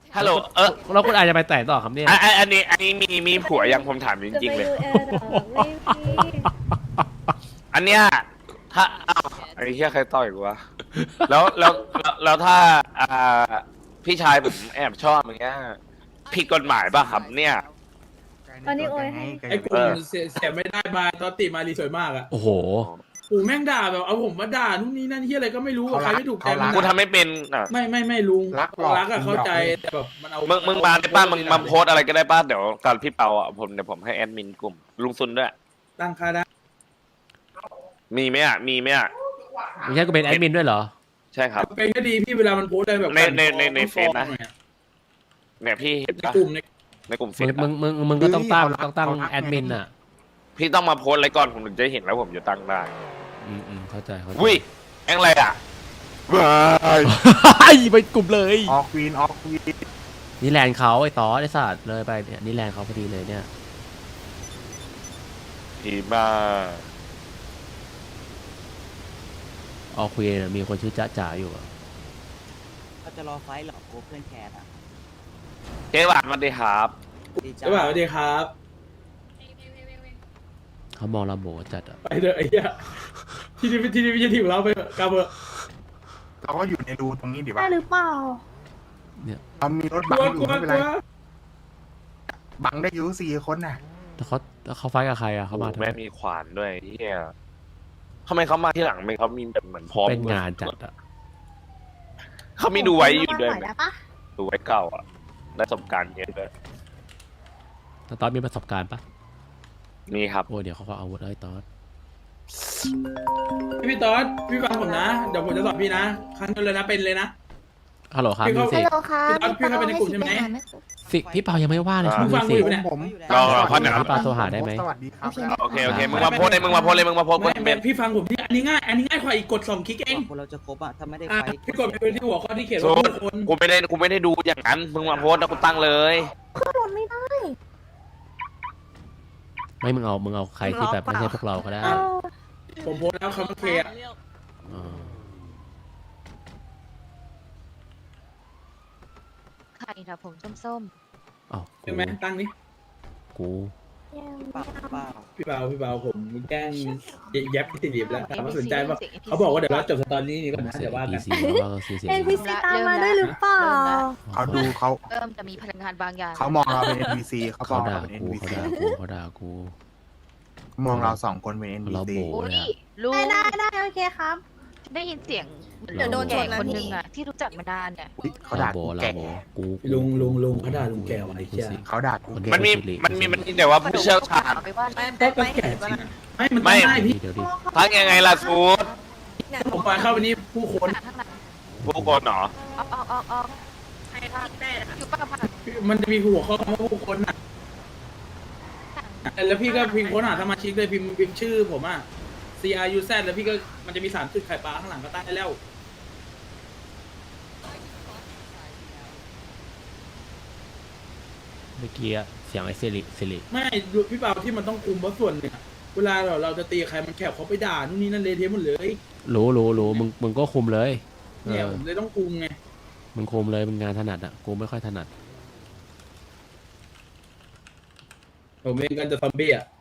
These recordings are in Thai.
ฮัลโหลแล้วคุณอาจจะไปแต่ต่อครับเนี่ยอันนี้มีผัวยังผมถามจริงๆเลย อันเนี้ยถ้าอ้าวไอ้เหี้ยใครต่อยกูวะแล้วถ้าพี่ชายผมแอบชอบอย่างเงี้ยผิดกฎหมายป่ะครับเนี่ยตอนนี้โอ้ยให้ไอ้กลุ่มเสียไม่ได้มาตอนติมารีสวยมากอ่ะโอ้โหโอ้แม่งด่าแบบเอาผมมาด่านู่นนี่นั่นที่อะไรก็ไม่รู้ใครไม่ถูกใจมันกูทำไม่เป็นอ่ะไม่ลุงรักอะเข้าใจแต่แบบมันเอามึงมาได้ป้ามึงมาโพสอะไรก็ได้ป้าเดี๋ยวตอนพี่เปาอ่ะเดี๋ยวผมให้แอดมินกลุ่มลุงซุนด้วยตั้งค่าได้มีไหมอ่ะไม่ใช่กูเป็นแอดมินด้วยเหรอใช่ครับเป็นก็ดีพี่เวลามันโพสอะไรแบบในเฟซนะ เนี่ยพี่เห็นในปะกลุ่มในกลุ่มเฟซมึงก็ต้องตั้งแอดมินอ่ะพี่ต้องมาโพสอะไรก่อนผมถึงจะเห็นแล้วผมจะตั้งได้เข้าใจอุ้ยแองอะไรอ่ะว้ายไปกลุ่มเลยออกควีนนี่แลนด์เขาไอ้ต่อไอ้สัตว์เลยไปเนี่ยนี่แลนด์เขาพอดีเลยเนี่ยดีบ้าออคุยเนี่ยมีคนชื่อจ๊ะจ๋าอยู่อะเขาจะรอไฟท์เหรอโกเพื่อนแคทอ่ะเจ๊หวานมาดีครับดีจ้าใช่ป่ะสวัสดีครับเขามองเราโบจัดอะไปเถอะไอ้เหี้ยที่นี่ไม่ใช่ที่ของเราไปเถอะกลับเถอะเราก็อยู่ในรูตรงนี้ดีได้ป่ะหรือเปล่าเรามีรถกบังลัวอก ยู่ลัวไม่เป็นกไรลัวบังได้อยู่4 คนน่ะแต่เขาไฟกับใครอะเขามาทำไมแม่มีขวานด้วยเฮียทำไมเขามาที่หลังไม่เขามีแบบเหมือนพร้อมเป็นงานจัดอะเขามีดูไว้อยู่ด้วยหน่ไหมได้ปะดูไว้เก่าอ่ะได้ประสบการณ์เยอะด้วยแต่ตอนมีประสบการณ์ปะมีครับโอ้เดี๋ยวเขาก็เอาอาวุธไอ้ตอนพี่ต๊อดพี่ฟังผมนะเดี๋ยวผมจะสอนพี่นะครั้งเดียวเลยนะเป็นเลยนะฮัลโหลครับพี่มิเขาวสิฮัลโหลครับพี่เข้าไปในกลุ่มใช่ไหมสิพี่เปายังไม่ว่าเลยอ่าครับฟัมิวงสิกูอยู่เนี่ยผมรอพักหน่อยพี่เปาโทรหาได้ไหมสวัสดีครับโอเคมึงมาโพสเลยมึงมาโพสเป็นพี่ฟังผมพี่อันนี้ง่ายกว่าอีกกด2 คลิกเองคนเราจะครบอ่ะ ถ้าไม่ได้อ่ะไฟท์พี่กดไปเป็นที่หัวข้อที่เขียนโซว่าดผู้คนกูไม่ได้ดูอย่างนั้นมึงมาโพสแล้วกูตั้งเลยก็โดนไม่ได้ไม่มึงเอาใครที่แบบไม่ใช่พวกเราก็ได้เออผมโพสแล้วคำว่าเคอะอ๋อใครนะผมส้มอ้าวใช่ไหมตั้งนี้กูยังเปล่าเปล่าพี่เบาผมแกล้งแย็บที่ดิบแล้วถามว่าสนใจป่ะเขาบอกว่าเดี๋ยวเราจบสตอรี่นี้ก่อนนะเดี๋ยวว่ากันซีแล้วก็ซีเสียเอ็นพีซีตามมาได้หรือเปล่าเขาดูเขาเริ่มจะมีพลังงานบางอย่างเขามองเราเป็น NPC เขามเขาองด่าเราเป็นกู NPC เขาด่ากูมองเรา2 คนเป็นเรา NPC โบอุ้ยเลยอะลุงได้โอเคครับได้ยินเสียงเดี๋ยวโดนชแก่นนะคนพี่นึงอ่ะที่รู้จักมานานเนี่ยอุ๊ยเขาเราด่าโบกูเราแก่โบกูลุงเขาด่าลุงแก่ว่ะไอ้เหี้ยเขาด่ากูมันแก่มันมีแต่ว่าผู้เชี่ยวชาญเอาไปว่าก็แก่จริงไม่มันตั้งได้พี่เดี๋ยวดิทักยังไงล่ะซูดผมไปเข้าไปนี่ผู้คนข้างหลังผู้คนเหรอออกอยู่ป้าผ่านมันจะมีหัวข้อคำว่าผู้คนน่ะแล้วพี่ก็พิมพ์ค้นหาสมาชิกเลยพิมพ์ชื่อผมอ่ะ CRUZ แล้วพี่ก็มันจะมี3 จุดไข่ปลาข้างหลังก็ตั้งได้แล้วเมื่อกี้อะเสียงไอ้สิริไม่พี่เปาที่มันต้องคุมเพราะส่วนหนึ่งอะเวลาเราจะตีใครมันแคบเขาไปด่านู่นนี่นั่นเละเทะหมดเลยรู้มึงก็คุมเลยเอเนี่ยอผมเลยต้องคุมไงมึงคุมเลยมึงงานถนัดอะกูไม่ค่อยถนัดผมเองกันจะซอมบี้อ่ะ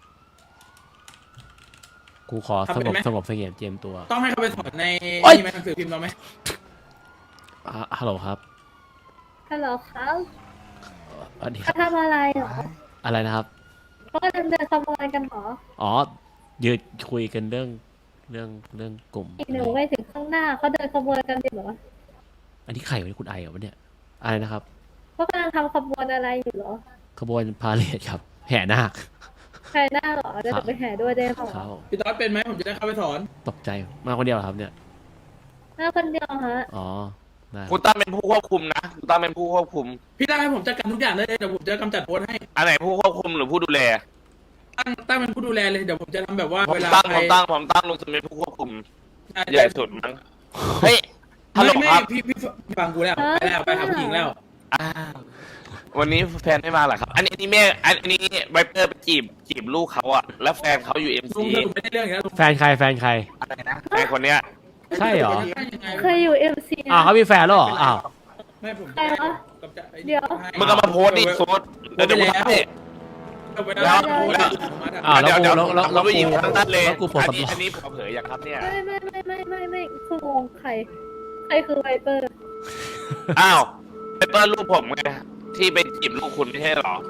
กูขอทำเป็นไหมสงบเสงี่ยมเจียมตัวต้องให้เขาไปสอนในโอ๊ยนี่ไหมหนังสือพิมพ์เราไหมฮัลโหลครับฮัลโหลครับสวัสดีคเขารับทำอะไรเหรออะไรนะครับเขาเดินขบวนกันเหรออ๋อยืดคุยกันเรื่องกลุ่มอีกหนึ่งไปถึงข้างหน้าเขาเดินขบวนกันจริงเหรออันนี้ใครวะเนี่ยคุณไอเหรอวะเนี่ยอะไรนะครับเขากำลังทำขบวนอะไรอยู่เหรอขบวนพาเหรดครับ แห่นาคใครหน้าเหรอเดี๋ยวหนูไปแห่ด้วยได้เปล่าเขาพี่ต๊อดเป็นไหมผมจะได้เข้าไปสอนตกใจมาคนเดียวเหรอครับเนี่ยหน้าคนเดียวฮะอ๋อได้กูตั้งเป็นผู้ควบคุมนะกูตั้งเป็นผู้ควบคุมพี่ตั้งให้ผมจัดการทุกอย่างได้เลยเดี๋ยวผมจะกำจัดโพสต์ให้อันไหนผู้ควบคุมหรือผู้ดูแลตั้งเป็นผู้ดูแลเลยเดี๋ยวผมจะทำแบบว่าผมเวลาตั้งใครผมตั้งลุงจะเป็นผู้ควบคุมใช่ใหญ่สุดมั้งเฮ้ยฮัลโหลไม่ครับพี่ฟังกูแล้วไปแล้วไปหาผู้หญิงแล้วอ้าววันนี้แฟนไม่มาเหรอครับ อันนี้แม่อันนี้ไวเปอร์ไปจีบลูกเขาอะแล้วแฟนเขาอยู่เอ็มลุซีงสรุปไม่ได้เรื่องอีกแล้วลุงแฟนใครอะไรนะแฟนคนเนี้ยใช่เหรอเคยอยู่เอ็มซีอ้าวเขามีแฟนแล้วเหรออ้าวไม่ผมใครวะกับเดี๋ยวมึงก็มาโพสต์ดิโพสต์เดี๋ยวมึงให้แล้วอ้าวแล้วเดี๋ยวแล้วไปยิงทางนั้นเลยแล้วกูโพสต์อันนี้ผมเผยอย่างครับเนี่ยไม่คืองงใครคือไวเปอร์อ้าวไปเปิดลูกผมไงที่ไปจีบลูกคุณไม่ใช่หรอ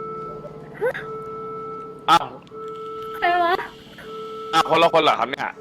อ้าวใครวะคนละคนเหรอครับเนี่ย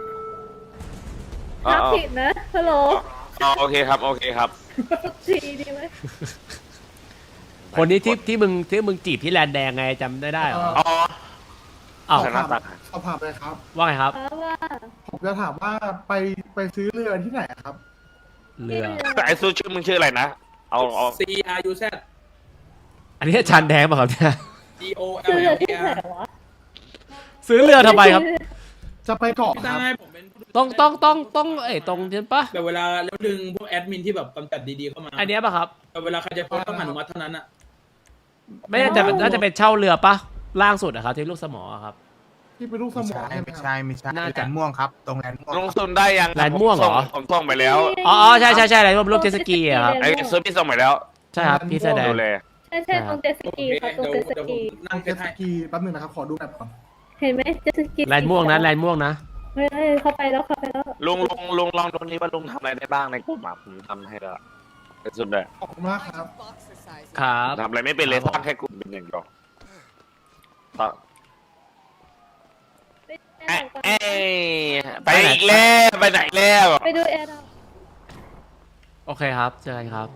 อ๋อทักผิดนะฮัลโหลโอเคครับโอเคครับทีดีไหมคนนี้ที่มึงจีบที่แลนด์แดงไงจำได้เหรออ๋ออ้าวใส่หน้าตาเอาผ่านไปครับว่าไงครับเพราะว่าผมจะถามว่าไปซื้อเรือที่ไหนครับเรือไอ้ซูชื่อมึงชื่ออะไรนะเอา CRUZ อันนี้อาจารย์แดงป่ะครับเนี่ยคือเรือที่ GOLLR ไหนวะซื้อเรือทำไมครับจะไปเกาะพี่คตั้รังบให้ผมเป็นผู้ดูแลต้องตรงใช่ปะแต่เวลาแล้วดึงพวกแอดมินที่แบบกำจัดดีๆเข้ามาอันเนี้ยป่ะครับแต่เวลาใครจะโพสต์ต้องอนุมัติเท่านั้นอ่ะไม่น่าจะน่าจะเป็นเช่าเรือปะล่างสุดอะครับที่ลูกสมออะครับที่เป็นลูกสไม่มอใช่ใช่ไหมไม่ครับใช่ไม่ใช่น่าแลจะนด์ม่วงครับ ตรงแลนด์ม่วงลงซุนได้ยังแลนด์ม่วงเหรอผมส่งไปแล้วอ๋อใช่อะไรรูปเจตสกีอะครับไอ้ซื้อพี่ส่งไปแล้วใช่ครับพี่แสดงดูเลยใช่ตรงเจตสกีครับตรงเจตสกีนั่งเจเก็ตตสให้กีแป๊บนึงนะครับ ขอดูแบบก่อนเห็นไหมเจตสกีแลนด์ม่วงนะไม่เข้าไปแล้วลุงลองดูนี่ว่าลุงทำอะไรได้บ้างในกลุ่มอ่ะผมทำให้แล้วไอ้สุดเลยขอบคุณมากครับครับทำอะไรไม่เป็นเลยครับสร้างแค่กลุ่มเป็นอย่างเดียวเอ้ยไปอีกแล้วไปไหนแล้วไปดูแอร์ดอกโอเคครับเจอกันครับ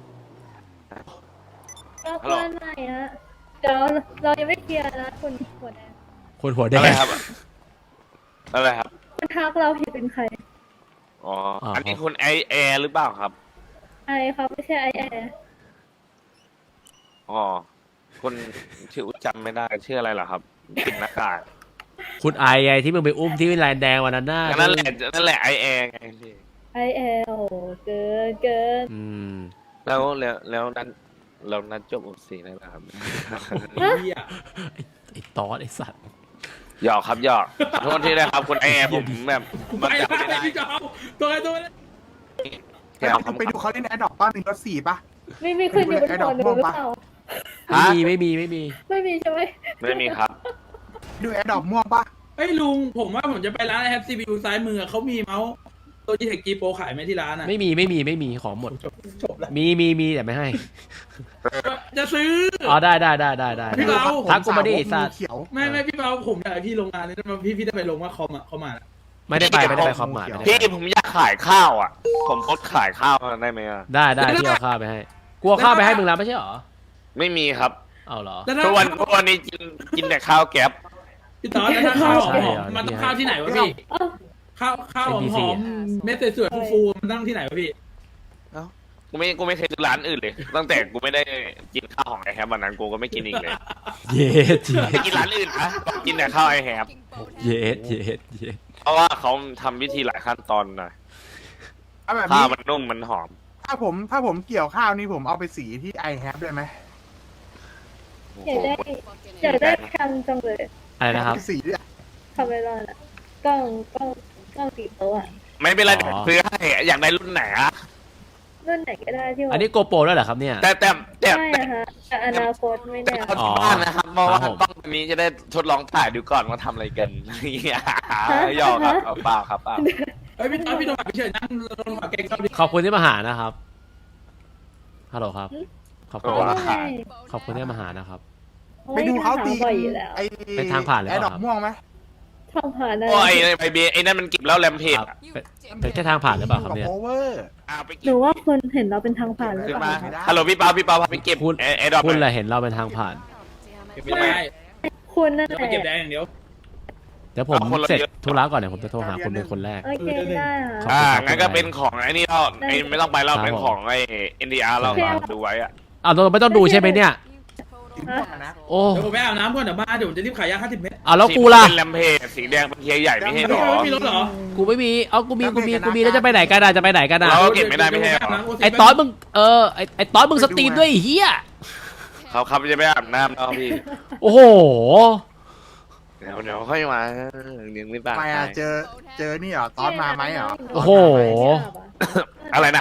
รอบบ้านไหนฮะเดี๋ยวเรายังไม่เคลียร์นะคุณหัวแดงคนหัวแดอะไรงครับอะไรครับคุณทักเราผิดเป็นใครอ๋ออันนี้คุณไอแอร์หรือเปล่าครับไอเขาไม่ใช่ไอแอร์อ๋อคุณชื่อจำไม่ได้ชื่ออะไรเหรอครับปิดหน้ากากคุณไอไงที่มึงไปอุ้มที่แลนด์แดงวันนั้นน่ะนั่นแหละไอแอร์ไงพี่ไอแอร์โอ้เกินอืมแล้วนั้นจบอุสีได้ไหมครับเหี้ยไอ้ตอสไอ้สัตว์หยอกครับหยอกขอโทษที่ได้ครับคุณไอแอร์ผมแบบไปมันจำไม่แล้ได้วพี่จอมตัวตัวไปดูเขาเล่นแอร์ดรอปป้า1 รถ 4ป่ะไม่ขึ้นอยู่บนหัวหนูหรือเปล่าไม่มีไม่มีใช่ไหมไม่มีครับดูแอร์ดรอปม่วงป่ะเฮ้ยลุงผมว่าผมจะไปร้านแฮปซีบิวซ้ายมือเขามีเมาส์ตัวจีเทคจีโปรขายไหมที่ร้านอ่ะไม่มีของหมดจบแล้วมีแต่ไม่ให้จะซื้ออ๋อได้พี่เบาทักกูมาดิไอ้สัตว์เขียวไม่พี่เบาผมอยากให้พี่ลงงานนี่มาพี่ได้ไปลงว่าคอมอ่ะเขามาไม่ได้ไปความหมายพี่ผมอยากขายข้าวอ่ะ ผมพดขายข้าวได้ไหมอ่ะได้พี่เอาข้าวไปให้กลัวข้าวไปให้มึงแล้วไม่ใช่หรอไม่มีครับเอาเหรอแล้วถ้าทุกวันนี้กินแต่ข้าวแก๊บพี่ต๋อแล้วถ้าข้าวหใช่อเหรมอมันต้องข้าวที่ไหนวะพี่เอ้าข้าวหอม NPC เม็ดสวยๆฟูๆมันตั้งที่ไหนวะพี่กูไม่เคยซื้อร้านอื่นเลย ตั้งแต่กูไม่ได้กินข้าวของไอแฮมวันนั้นกูก็ไม่กินอีกเลยเย็ดไปกินร้านอื่นนะกินแต่ข้าวไอแฮมเย็ดเพราะว่าเขาทำวิธีหลายขั้นตอนหน่อยเอาแบบข้านี้วมันนุ่มมันหอมถ้าผมเกี่ยวข้าวนี่ผมเอาไปสีที่ i have ได้ไหมอยากได้คันจังเลยอะไรนะครับสีเนี่ยคาเมรอนอะกล้องติดโต๊ะอะไม่เป็นไรอ๋อซื้อให้อยากได้รุ่นไหนอะรุ่นไหนก็ได้ที่ว่าอันนี้โกโปรแล้วเหรอครับเนี่ยแต่ไม่อะฮะแต่อนาคตไม่แน่เอาที่บ้านนะครับเพราะว่าครับผมกล้องตัวนี้จะได้ทดลองถ่ายดูก่อนว่าทำอะไรกันหยอกครับเอาเปล่าครับเปล่าเฮ้ยพี่ต๋อพี่โดนแบบเฉยนั่งโดนหัวแกงชอบดิขอบคุณที่มาหานะครับฮัลโหลครับขอบคุณไม่ได้ขอบคุณที่มาหานะครับไปดูเขาตีบ่อยอยู่แล้วไอ้เป็นทางผ่านหรือแอเปร์ล่าดรอปม่วงไหมทองผ่านได้โอ้ยไอเบไอ้นั่นมันเก็บแล้วแรมเพจครับเป็นแค่ทางผ่านหรือเปล่าครับเนี่ยโอเวอร์ไปหเก็นูบว่าคุณเห็นเราเป็นทางผ่านหรือขึ้นเปมาล่าฮัลโหลพี่เปาพาไปเก็บคุณไอ้ดอกคุณแหละเห็นเราเป็นทางผ่านเก็บไม่ได้คุณนั่นจะแหไปละเก็บแดงอย่างเดียวเดี๋ยวผมเสร็จธุระก่อนเดี๋ยวผมจะโทรหาคุณเป็นคนแรกโอเคได้ค่ะงั้นก็เป็นของไอ้นี่เราไอ้ไม่ต้องไปเราครับเป็นของไอ้ NDR เราดูไว้อะอ้าวเราไม่ต้องดูใช่ไหมเนี่ยสีม่วงอะนะโอ้เดี๋ยวผมไปอาบน้ำก่อนเดี๋ยวมาเดี๋ยวผมจะรีบขายยา50 เม็ดอ้าวแล้วกูล่ะเป็นแรมเพจสีแดงเป็นเทียร์ใหญ่ไม่ใช่หรอไม่มีรถเหรอกูไม่มีเอากูมีแล้วจะไปไหนกันอ่ะจะไปไหนกันอ่ะเราก็เก็บไม่ได้ไม่ใช่หรอไอ้ตอนมึงไอ้ตอนมึงสตรีมด้วยไอ้เฮียเขาจะไปอาบน้ำแล้วพี่โอ้โหเดี๋ยวค่อยมายังไม่ตายทำไมอ่ะเจอนี่เหรอตอนมาไหมเหรอโอ้โหอะไรนะครับ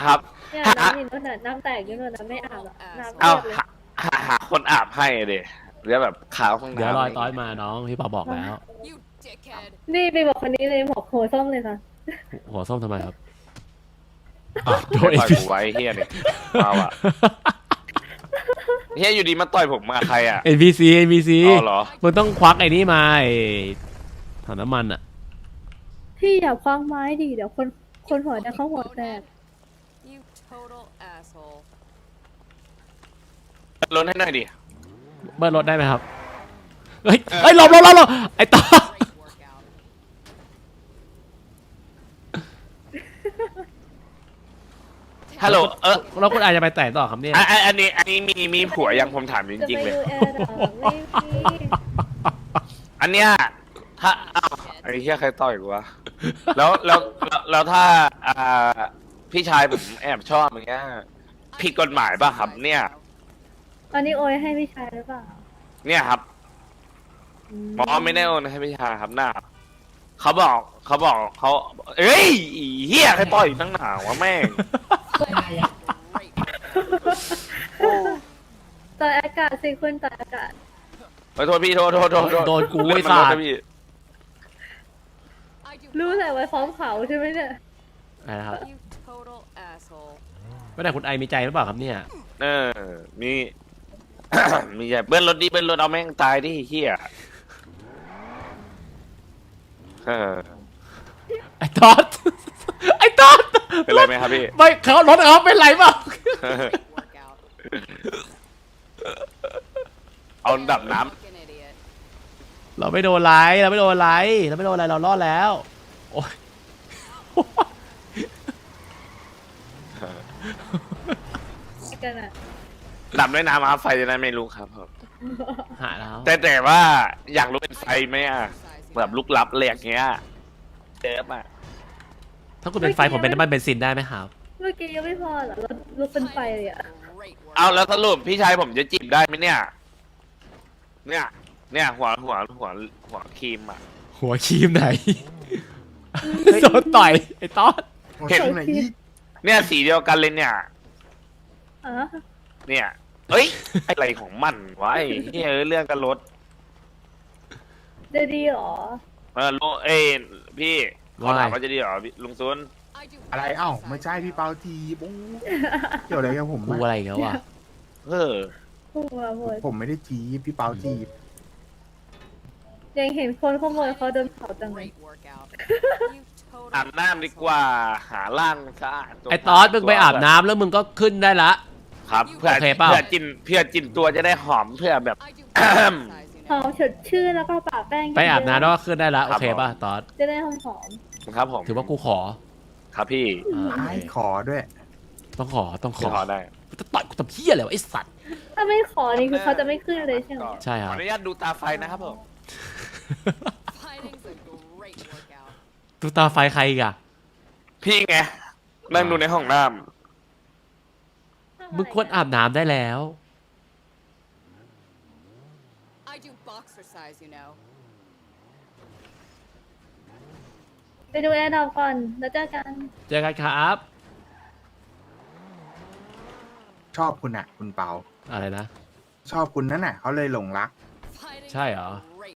เนี่ยน้ำนี่นู่นน่ะน้ำแตกอยู่นู่นน่ะไม่อาบอ่ะน้ำเอาเปียกเลยหาคนอาบให้เดหรือแบบขาวห้องน้ำเดี๋ยวรอยต้อยมาน้องพี่เปาบอกแล้วนี่ไปบอกคนนี้เลยบอกหัวส้มเลยค่ะหัวส้มทำไมครับอ้าวโดนต่อยผมไว้เฮียเนี่ยเอาอะเฮียอยู่ดีมาต่อยผมมาใครอะ NPC NPC อ๋อเหรอมึงต้องควักไอ้นี่มาไอ้ถังน้ำมันอ่ะพี่อย่าคว้างไม้ดิเดี๋ยวคนหัวจะเข้าหัวแตก You total asshole. ลดให้หน่อยดิเบิ้ลรถได้ไหมครับ เฮ้ยหลบไอ้ต่อ Great workout. ฮัลโหลแล้วคุณอาจจะไปแต่ต่อครับเนี่ยอันนี้มีผัวยังผมถามจจะริงไปๆเลยดูแอร์ดอกไม่มีอันเนี้ยถ้าไอ้เหี้ยใครต่อยกูวะแล้วถ้าพี่ชายผมแอบชอบอย่างเงี้ยผิดกฎหมายป่ะครับ เนี่ยตอนนี้โอยให้พี่ชายหรือเปล่าเนี่ยครับหมอไม่ได้โอนให้พี่ชายครับหน้าเขาบอกเขาเอ้ยอีเหี้ยใครต่อยตั้งหนาวะแม่งต่ออากาศสิคุณต่ออากาศขอโทษพี่โทษโดนกูเลื่ไอ้อนมันสัลดตนะว์พี่รู้แต่ไว้พร้อมเขาใช่ไหมเนี่ยอะไรนะครับ You total asshole. ไม่ได้คุณไอมีใจหรือเปล่าครับเนี่ยเออมี มีใหญ่เบิ้ลรถดิเบิ้ลรถเอาแม่งตายดิเหี้ยเออไอ้ตอดเป็นไรไหมครับพี่ไม่เขารถเขาเป็นไรเปล่า Workout. เอาดับน้ Fucking idiot. เราไม่โดนไรเรารอดแล้ว โอ้ยกันอ่ะำดับด้วยน้ำครับไฟจะได้ไม่ลุกครับผมหาแล้วแต่ว่าอยากรู้เป็นไฟไหมอ่ะแบบลุกลับแหลกเงี้ยเจ็บอ่ะถ้าคุณเป็นไฟผมเป็นน้ำมันเบนซินได้ไหมครับเมื่อกี้ยังไม่พอเหรอรถลุกเป็นไฟเลยอ่ะ Great workout. เอาแล้วสรุปพี่ชายผมจะจีบได้ไหมเนี่ย เนี่ยหัวครีมอ่ะหัวครีมไหน โดนต่อยไอ้ตอดเห็นไหนอีกเนี่ยสีเดียวกันเลยเนี่ยอ๋อเนี่ย เอ้ยอะไรของมันวะไอ้เหี้ยเรื่องกันรถจะดีเหรอลุงเอ้ยพี่เขาถามว่าจะดีเหรอลุงซุน I do อะไรเอ้าไม่ใช่พี่เปาทีบูเกี่ยวอะไรกับผมกูอะอะไรอีกแล้ววะเออหัวหมดผมไม่ได้จีบพี่เปาจีบยังเห็นคนขโมยเขาโดนเผาจังเลย great workout. You total อาบน้ำดีกว่าหาล่างสะอาดตัวไอ้ตอดมึงไปอาบน้ำแล้วมึงก็ขึ้นได้ละครับเพื่อโอเคเปล่าเพื่อจินตัวจะได้หอมเพื่อแบบ I do exercise, you หอ know. มสดชื่นแล้วก็ปะแป้งไปอาบน้ำแล้วก็ขึ้นได้ละโอเคป่ะตอดจะได้หอมครับผมถือว่ากูขอครับพี่อ่าไอ้ขอด้วยต้องขอขอได้กูจะต่อยกูทำเหี้ยอะไรวะไอ้สัตว์ๆถ้าไม่ขอนี่คือเขาจะไม่ขึ้นเลยใช่ไหมใช่ครับขออนุญาตดูตาไฟนะครับผม Fighting's a great workout. ตูตาไฟใครอีกอะพี่ไงนั่งดูในห้องน้มึงควรอาบน้ำได้แล้ว I do boxercise, you know. ไปดูแอร์ดอกก่อนแล้วเจอกันเจอกันครับชอบคุณอะคุณเปาอะไรนะชอบคุณนั่นน่ะเขาเลยหลงรัก Fighting's ใช่เหรอ a